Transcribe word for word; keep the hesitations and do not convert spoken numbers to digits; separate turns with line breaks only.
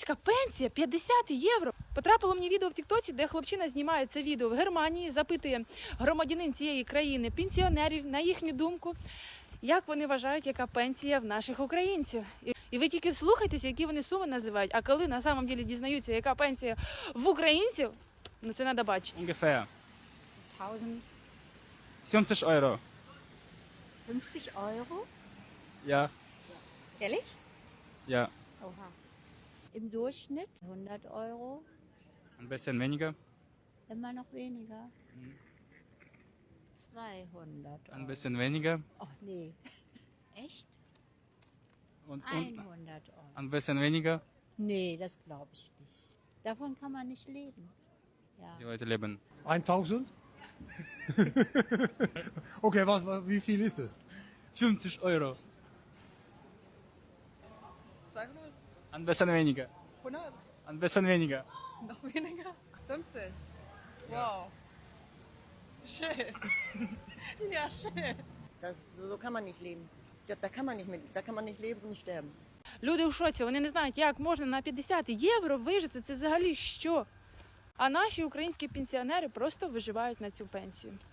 Українська пенсія п'ятдесят євро. Потрапило мені відео в Тіктоці, де хлопчина знімає це відео в Германії, запитує громадянин цієї країни, пенсіонерів, на їхню думку, як вони вважають, яка пенсія в наших українців. І ви тільки вслухайтеся, які вони суми називають, а коли на самом деле дізнаються, яка пенсія в українців, ну це треба бачити.
Ungefähr.
tausend
fünfzig Euro.
fünfzig Euro?
Ja,
Ehrlich?
ja.
Oha. Im Durchschnitt hundert Euro,
Ein bisschen weniger.
immer noch weniger. zweihundert Euro.
Ein bisschen weniger.
Ach nee. Echt?
Und, und
hundert Euro.
ein bisschen weniger.
Nee, das glaube ich nicht. Davon kann man nicht leben. Ja.
Die Leute leben.
tausend? Okay, was, was, wie viel ist es?
fünfzig Euro.
zweihundert?
Ein bisschen weniger.
hundert?
Ein bisschen weniger.
Noch weniger? fünfzig? Wow. Schön. Ja, schön.
Das, so kann man nicht leben. Da, da, kann man nicht mit, da kann man nicht leben und sterben.
Люди в шоці, вони не знають, як можна на п'ятдесят євро вижити, це взагалі що? А наші українські пенсіонери просто виживають на цю пенсію.